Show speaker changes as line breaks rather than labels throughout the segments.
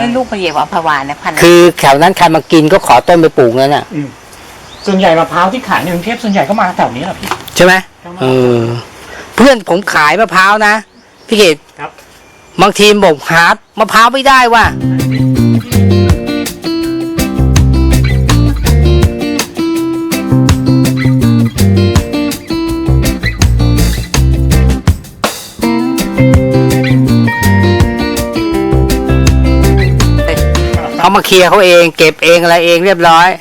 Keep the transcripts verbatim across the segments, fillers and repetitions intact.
ลูกพระเยาอัมพวานะพันธุ์
คือแถวนั้นใครมากินก็ขอต้นไปปลูกนั่นน่ะ
ส่วนใหญ่มะพร้าวที่ขายในกรุงเทพส่วนใหญ่ก็มาแถวนี้แหละพี่
ใช่ไหมเออเพื่อนผมขายมะพร้าวนะพี่เกศ
ครับ
บางทีบอกหามะพร้าวไม่ได้ว่ะเขามาเคลียร์เขาเองเก็บเองอะไรเองเรียบร้อย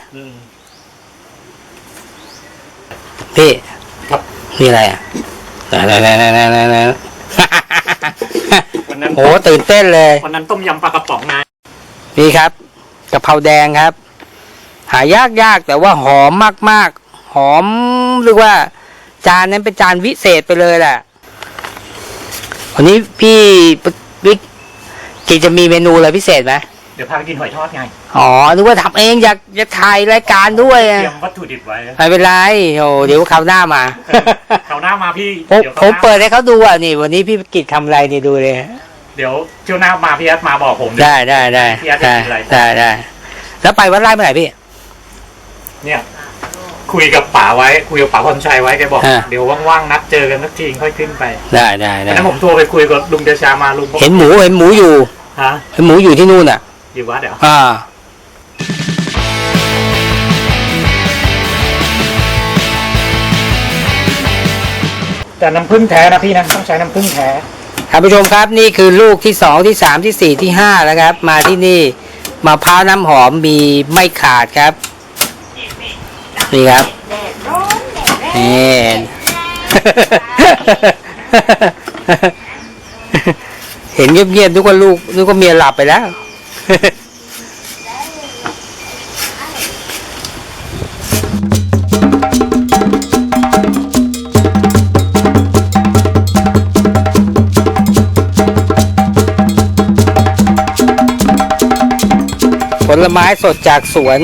พี่
ครับ
นี่อะไรอ่ะนั่นนั่นนั่นนั่นนั่น
วันนั้น
โหตื่นเต้นเลย
วันนั้นต้มยำปลากระป๋องนาย
นี่ครับกะเพราแดงครับหายากยากแต่ว่าหอมมากมากหอมเรียกว่าจานนั้นเป็นจานวิเศษไปเลยแหละวันนี้พี่วิกกิจะมีเมนูอะไรพิเศษไหม
เดี๋ยวพาไปกินหอยทอดไง
อ๋อนึกว่าทำเองอยากจะถ่ายรายการด้วย
เตรียมวัตถุดิบไว้
ไม่เป็นไรโอ้เดี๋ยวคราวหน้ามา
คราวหน้ามาพี่
ผมเปิดให้เขาดูอ่ะนี่วันนี้พี่กิจทำอะไรนี่ดูเลย
เดี๋ยวเที่ยวหน้ามาพี่ยัดมาบอกผม
ได้ได้ได้ได้ได้ได้แล้วไปวัดไร่เมื่อไหร่พี่
เนี่ยคุยกับป๋าไว้คุยกับป๋าพรชัยไว้แกบอกเดี๋ยวว่างๆนัดเจอกันสักทีค่อยขึ้นไป
ได้ได้ได้
แล้วผมโทรไปคุยกับลุงเดชามาลุง
เห็นหมูเห็นหมูอยู่
ฮะ
เห็นหมูอยู่ที่นู่นอ่ะ
อยู่วัดเดี๋ยว
อ่า
แต่น้ำผึ้งแท้นะพี่นะต้องใช้น้ำผึ้งแท้
ท่านผู้ชมครับนี่คือลูกที่สองที่สามที่สี่ที่ห้าแล้วครับมาที่นี่มะพร้าวน้ำหอมมีไม่ขาดครับนี่ครับนี่เห็นเงียบๆนึกว่าลูกนึกว่าเมียหลับไปแล้วผลไม้สดจากสวน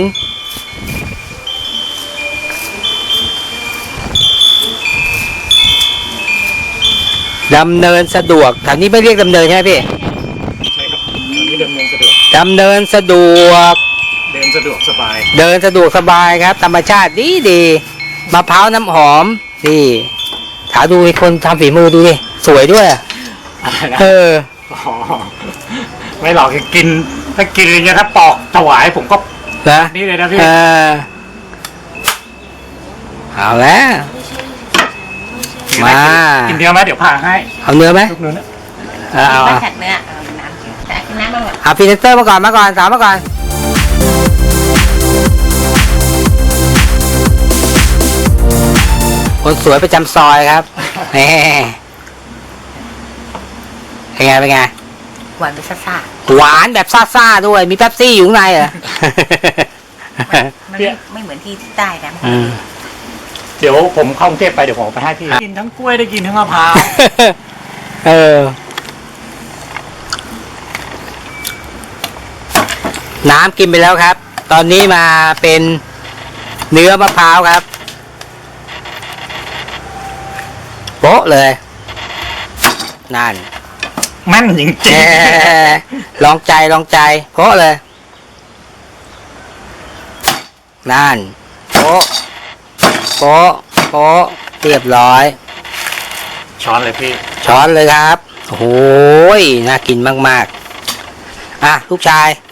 ดำเนินสะดวกแถวนี้ไม่เรียกดำเนินใช่ไหมพี่
ใช่ครับนี่ดำเนินสะดวก
ดำเนินสะดวก
เดินสะดวกสบาย
เดินสะดวกสบายครับธรรมชาติดีดีมะพร้าวน้ำหอมนี่ถาดูคนทำฝีมือดูดิสวยด้วยเออ
ไม่หรอกกินถ้ากินอย่างเงี้ยถ้าปอกถวายผมก็
นะ
นี่เลยนะพี่
เอาแล้วมา
กินเนื้อไหมเดี๋ยวพาให้
เอาเนื้อไหม
ทุกเนื้อนะ
เอาเอา
แขกเนื้อน้ำแต่น้ำมา
เอาพรีเซนเตอร์มาก่อนมาก่อนสาวมาก่อนคนสวยประจำซอยครับแหมเป็นไงเป็นไง
หวานแบบซ่า
หวานแบบซ่าๆด้วยมีเป๊ปซี่อยู่ข้างในเหรอ
มันไม่เหมือนที่ใต้นะ
เดี๋ยวผมเข้ากรุงเทพไปเดี๋ยวผมไปให้พี่กินทั้งกล้วยได้กินทั้งมะพร้าว
เออน้ำกินไปแล้วครับตอนนี้มาเป็นเนื้อมะพร้าวครับโป๊ะเลยนั่น
แม่นจริง
ๆลองใจลองใจโป๊ะเลยนั่นโป๊ะโป๊ะโป๊ะเรียบร้อย
ช้อนเลยพี่
ช้อนเลยครับโอ้โหน่ากินมากๆอ่ะลูกชาย